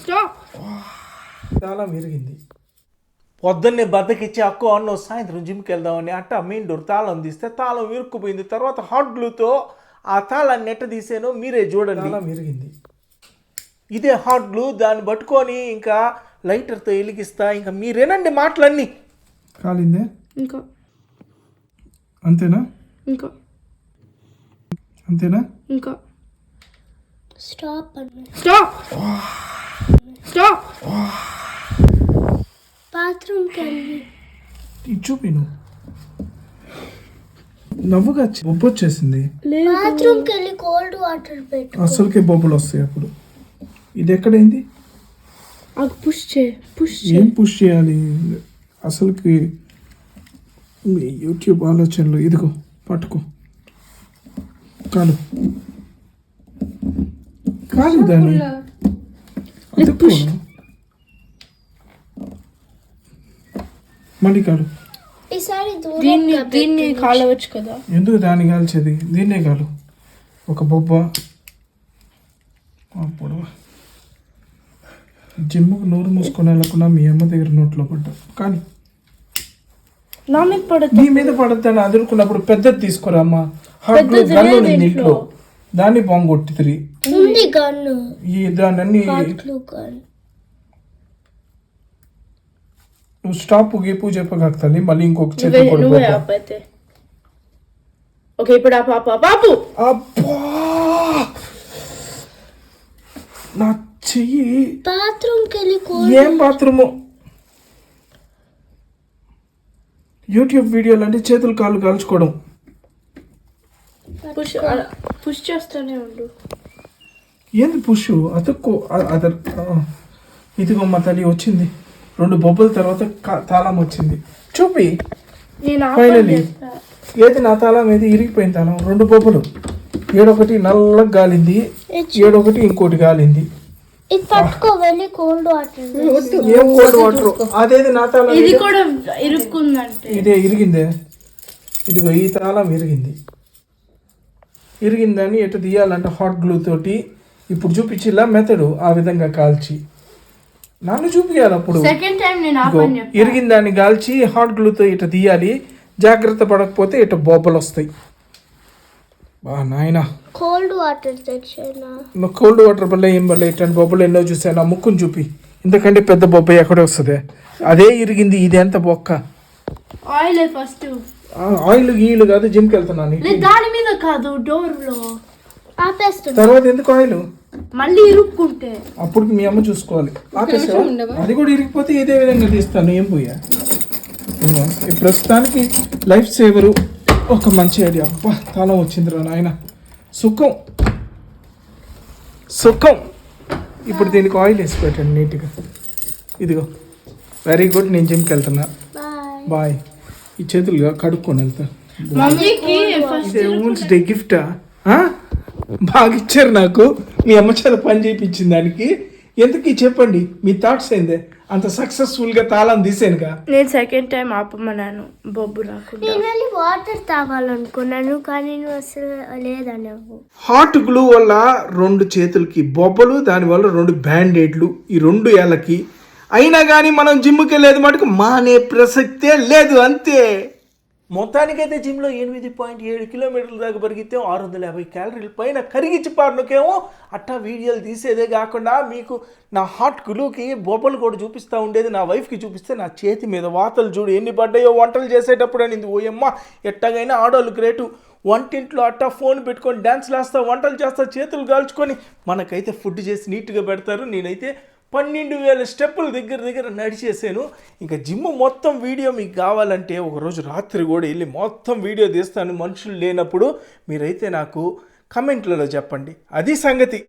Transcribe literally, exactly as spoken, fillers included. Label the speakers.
Speaker 1: Stop.
Speaker 2: చాలా విరిగింది. పొద్దున్నే బద్దకిచ్చి అక్కో అన్నో సాయంత్రం జిమ్కి వెళ్దామని అట్ట మెయిన్ డోర్ తాళం తీస్తే తాళం ఇరుక్కుపోయింది. తర్వాత హాట్ గ్లూతో ఆ తాళాన్ని నెట్ట తీసాను, మీరే చూడండి. తాళం విరిగింది. ఇదే హాట్ గ్లూ, దాన్ని పట్టుకొని ఇంకా లైటర్తో వెలిగిస్తా. ఇంకా మీరేనండి మాటలన్నీ. కాలిందే
Speaker 1: ఇంకా
Speaker 2: అంతేనా?
Speaker 1: ఇంకా
Speaker 2: అంతేనా?
Speaker 1: ఇంకా
Speaker 3: స్టాప్
Speaker 1: స్టాప్ స్టాప్.
Speaker 3: బాత్రూమ్కి వెళ్ళి
Speaker 2: చూపిను నవ్వుగా బొబ్బు వచ్చేసింది.
Speaker 3: బాత్రూమ్కి వెళ్ళి కోల్డ్ వాటర్ పెట్టు.
Speaker 2: అసలుకే బొబ్బులు వస్తాయి అప్పుడు. ఇది ఎక్కడైంది?
Speaker 1: అది పుష్ చే పుష్
Speaker 2: ఏం పుష్ చేయాలి అసలుకి? యూట్యూబ్ ఆలోచనలు. ఇదిగో పట్టుకో. కాలు కాలు దాన్ని మళ్ళీ కాలు.
Speaker 3: ఈసారి
Speaker 1: దీన్ని దీన్ని కాలవచ్చు కదా.
Speaker 2: ఎందుకు దాన్ని కాల్చేది? దీన్నే కాలు. ఒక బొబ్బ అప్పుడు జిమ్ముకు నోరు మూసుకొని వెళ్ళకుండా మీ అమ్మ దగ్గర నోట్లో పడ్డా. కానీ
Speaker 1: నా మీద పడదు.
Speaker 2: నీ మీద పడతాను అదురుకున్నప్పుడు పెద్దది తీసుకురా అమ్మ. హాట్ గన్ను ఉంది ఇంట్లో, దాన్ని బాంబు కొట్టి తిరిగి
Speaker 3: ఉంది గన్ను.
Speaker 2: ఈ దాన్ని అన్ని నువ్వు స్టాప్ గీపు చెప్పగలుగుతాను. మళ్ళీ ఇంకొక చేతి
Speaker 1: ఓకే ఇప్పుడు ఆ పాప బాబు.
Speaker 2: అబ్బా నా చెయ్యి.
Speaker 3: బాత్రూమ్కి వెళ్ళి
Speaker 2: ఏం బాత్రూము? యూట్యూబ్ వీడియోలు అంటే చేతులు కాళ్ళు కాల్చుకోవడం.
Speaker 1: పుష్ పుష్ చేస్తూనే ఉండు.
Speaker 2: ఏంది పుష్? అతుక్కో అదర్. ఇదిగో మా తల్లి వచ్చింది. రెండు బొబ్బల తర్వాత తాళం వచ్చింది. చూపి. ఫైనలీ ఏది నా తాళం, ఏది ఇరిగిపోయిన తాళం. రెండు బొబ్బలు, ఏడొకటి నల్లగా గాలింది, ఏడొకటి ఇంకోటి గాలింది.
Speaker 3: ఇది పట్టుకో వెళ్ళి కోల్డ్ వాటర్.
Speaker 2: ఏం కోల్డ్ వాటర్? అదేది నా తాళం.
Speaker 1: ఇది కూడా ఇరుక్కుందంటే
Speaker 2: ఇదే ఇరిగిందే. ఇదిగో ఈ తాళం ఇరిగింది. ఇరిగిందని ఎటు తీయాలంటే హాట్ గ్లూ తోటి ఇప్పుడు చూపించిలా మెథడు. ఆ విధంగా కాల్చి నన్ను చూపించాలి. అప్పుడు ఇరిగిందాన్ని కాల్చి హాట్ గ్లూతో ఇటు తీయాలి. జాగ్రత్త పడకపోతే ఇటు బొబ్బలు వస్తాయి. బా నాయనా,
Speaker 3: కోల్డ్ వాటర్ తెచ్చాను.
Speaker 2: కోల్డ్ వాటర్ వల్ల ఏం వల్ల ఇట్లాంటి బొబ్బలు ఎన్నో చూసాను. ఆ ముక్కును చూపి. ఇంతకంటే పెద్ద బొబ్బ ఎక్కడే వస్తుంది. అదే ఇరిగింది. ఇది ఎంత బొక్క.
Speaker 1: Oil first.
Speaker 2: ఆయిల్ గీలు కాదు, జిమ్కి వెళ్తున్నాను.
Speaker 1: దాని మీద కాదు, డోర్ లో
Speaker 3: ఆపేస్తుంది.
Speaker 2: తర్వాత ఎందుకు ఆయిల్?
Speaker 1: మళ్ళీ ఇరుక్కుంటే
Speaker 2: అప్పుడు మీ అమ్మ చూసుకోవాలి. ఆపేసావా? అది కూడా ఇరిగిపోతే ఇదే విధంగా తీస్తాను. ఏం పోయా ప్రస్తుతానికి లైఫ్ సేవరు. ఒక మంచి ఐడియా. అబ్బా తాళం వచ్చిందిరా నాయన. సుఖం సుఖం. ఇప్పుడు దీనికి ఆయిల్ వేసి పెట్టండి నీట్గా. ఇదిగో వెరీ గుడ్. నేను జిమ్కి వెళ్తున్నా. బాయ్. ఈ చేతులుగా కడుక్కొని వెళ్తా. ఇదే ఊన్స్ డే గిఫ్టా? బాగా ఇచ్చారు నాకు. మీ అమ్మ చేత పని చేయించింది దానికి. ఎందుకు చెప్పండి మీ థాట్స్ ఏందే? అంత సక్సెస్ఫుల్గా తాళం తీసానుగా.
Speaker 1: నేను సెకండ్ టైం ఆపమన్నాను బొబ్బు రాకుండా.
Speaker 3: నేను వెళ్ళి వాటర్ తాగాలనుకున్నాను కానీ నువ్వు అసలు లేదన్నావు.
Speaker 2: హాట్ గ్లూ వల్ల రెండు చేతులకి బొబ్బలు, దానివల్ల రెండు బ్యాండేడ్లు. ఈ రెండు ఏళ్ళకి అయినా కానీ మనం జిమ్కి వెళ్ళేది మటుకు మానే ప్రసక్తే లేదు. అంతే. మొత్తానికైతే జిమ్లో ఎనిమిది పాయింట్ ఏడు కిలోమీటర్ల దాకా పరిగితే ఆరు వందల యాభై క్యాలరీల పైన కరిగించి పారినకేమో అట్టా వీడియోలు తీసేదే కాకుండా మీకు నా హాట్ గ్లూకి బొబ్బలు కూడా చూపిస్తూ ఉండేది. నా వైఫ్కి చూపిస్తే నా చేతి మీద వాతలు చూడు ఎన్ని పడ్డాయో వంటలు చేసేటప్పుడు అనింది. ఓయమ్మ ఎట్టగైనా ఆడోళ్ళు గ్రేటు. వంటింట్లో అట్టా ఫోన్ పెట్టుకొని డ్యాన్స్లు వేస్తా, వంటలు చేస్తా, చేతులు కాల్చుకొని మనకైతే ఫుడ్ చేసి నీట్గా పెడతారు. నేనైతే పన్నెండు వేల స్టెప్పులు దగ్గర దగ్గర నడిచేసాను. ఇంకా జిమ్ మొత్తం వీడియో మీకు కావాలంటే ఒకరోజు రాత్రి కూడా వెళ్ళి మొత్తం వీడియో తీస్తాను. మనుషులు లేనప్పుడు మీరైతే నాకు కమెంట్లలో చెప్పండి. అది సంగతి.